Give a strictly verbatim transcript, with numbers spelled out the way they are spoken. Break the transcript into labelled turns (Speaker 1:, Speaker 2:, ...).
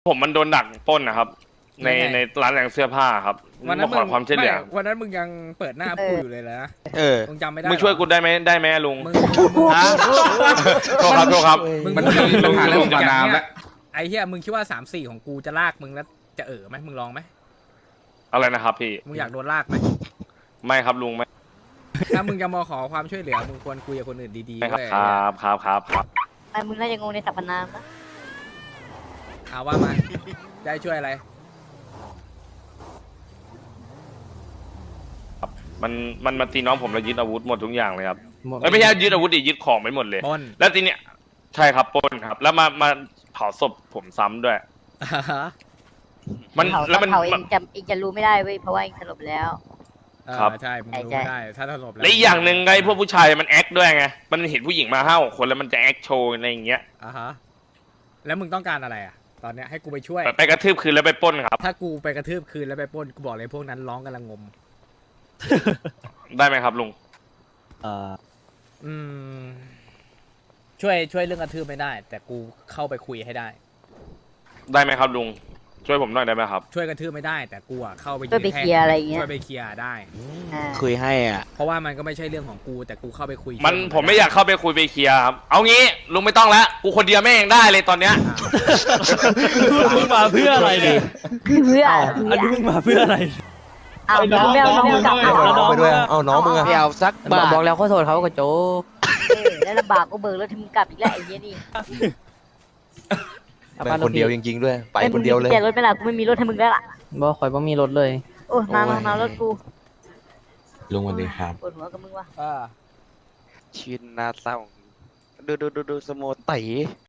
Speaker 1: ผมมันโดนดักปล้นนะครับ ใน
Speaker 2: ยังไง
Speaker 1: ในร้านแต่งเสื้อผ้าครับ
Speaker 2: วันนั้น
Speaker 1: มาขอความช่วยเหลือ
Speaker 2: ไม่วันนั้นมึงยังเปิดหน้าพูดอยู่เลยนะ
Speaker 3: เออ
Speaker 2: มึงจำไม่ได้
Speaker 1: มึงช่วยกู
Speaker 2: หรอ
Speaker 1: ได้ไหมได้ไหมลุง
Speaker 2: มึง
Speaker 3: ฮะ
Speaker 1: โทษครับโทษครับ
Speaker 2: มึง
Speaker 4: มันมีปัญหาเรื่องของน้ำแล้ว
Speaker 2: ไอ้เหี้ยมึงคิดว่าสามสี่ของกูจะลากมึงแล้วจะเอ๋อไหมมึงลองไหม
Speaker 1: อะไรนะครับพี่
Speaker 2: มึงอยากโดนลากไหม
Speaker 1: ไม่ครับลุงไม่
Speaker 2: ถ้ามึงจะมาขอความช่วยเหลือมึงควรคุยกับคนอื่นดีๆ
Speaker 1: ไม่ครับ
Speaker 2: เว้ย
Speaker 1: ครับครับครับครับ
Speaker 5: ไอ้มึงน่าจะงงในสรรพนามนะ
Speaker 2: เอาว่ามาได้ช่วยอะไร
Speaker 1: มันมันมาตีน้องผมแล้วยึดอาวุธหมดทุกอย่างเลยครับเอ้ยไม่ใช่ยึดอาวุธดิยึดของไปหมดเลย
Speaker 2: ปล้น
Speaker 1: แล้วทีเนี้ยใช่ครับปล้นครับ แล้วมามาเผาศพผมซ้ำด้วย มัน
Speaker 5: เผา
Speaker 1: แล้วมัน
Speaker 5: เผาเอ
Speaker 1: มัน
Speaker 5: งจะเองจะรู้ไม่ได้เว้ยเพราะว่าเองสลบแล้ว
Speaker 2: เออ
Speaker 1: ครับ
Speaker 2: ใช่มึงรู้
Speaker 5: ใช่
Speaker 2: ไม่ได้ถ้าถลบ
Speaker 1: และอีกอย่างหนึ่งไอ้พวกผู้ชายมันแอคด้วยไงมันเห็นผู้หญิงมาห้าหกคนแล้วมันจะแอคโชว์อะไรอย่างเงี้ย
Speaker 2: อ่าฮะแล้วมึงต้องการอะไรอ่ะ ตอนเนี้ยให้กูไปช่วย
Speaker 1: ไปกระทืบคืนแล้วไปปล้นครับ
Speaker 2: ถ้ากูไปกระทืบคืนแล้วไปปล้นกูบอกเลยพวกนั้นร้องกันละงม
Speaker 1: ได้ไหมครับลุง
Speaker 2: อืมช่วยช่วยเรื่องกระทืบไม่ได้ แต่กูเข้าไปคุยให้ได้
Speaker 1: ได้ไหมครับลุงช่วยผมหน่อยได้ไหมครับ
Speaker 2: ช่วยกระทืบไม่ได้ แต่กูอะเข้าไป
Speaker 5: ช่วยไป
Speaker 2: แท่ง
Speaker 5: เคลียร์อะไรอย่างเงี้ย
Speaker 2: ช่วยไปเคลียร์ได้
Speaker 5: อ่า
Speaker 3: คุยให้อ่ะ
Speaker 2: เพราะว่ามันก็ไม่ใช่เรื่องของกู แต่กูเข้าไปคุย
Speaker 1: มัน
Speaker 2: ช่วย
Speaker 1: ผมไม่อยากเข้าไปคุยไปเคลียร์ครับเอางี้ลุงไม่ต้องแล้วกูคนเดียวแม่งได้เลยตอนเนี้ย
Speaker 6: มึงมาเพื่ออะไรเนี่ย
Speaker 5: คือเพื่อ
Speaker 6: อันนี้มึงมาเพื่ออะไร
Speaker 5: เอาน้องแมวน้องกลับเอา
Speaker 6: น้
Speaker 5: เอา
Speaker 6: อง
Speaker 3: ไปด้วย เอาน้องมึงอะ
Speaker 5: เอา
Speaker 3: ไม่เอาสักบาท
Speaker 7: บอกแล้วขอโทษเขาก็โจ
Speaker 5: เออแล้วลำบากก็เบิกรถถึงกลับอีกแล้วไอ้เหี้ยนี่
Speaker 3: แม่งคนเดียวจริงๆด้วย ไปคนเดียวเลย
Speaker 5: แกรถไม่ล่ะกูไม่มีรถให้มึงแล้วล่ะ
Speaker 7: บ่ข่อยบ่มีรถเลย
Speaker 5: โอ้ยมามามารถกู
Speaker 4: ลุงวันดีครับ
Speaker 5: ปวดหัวกับมึงว่ะ
Speaker 2: เออ
Speaker 3: ชีวิตน่าเศร้า ดูดูดูดูสโมไต่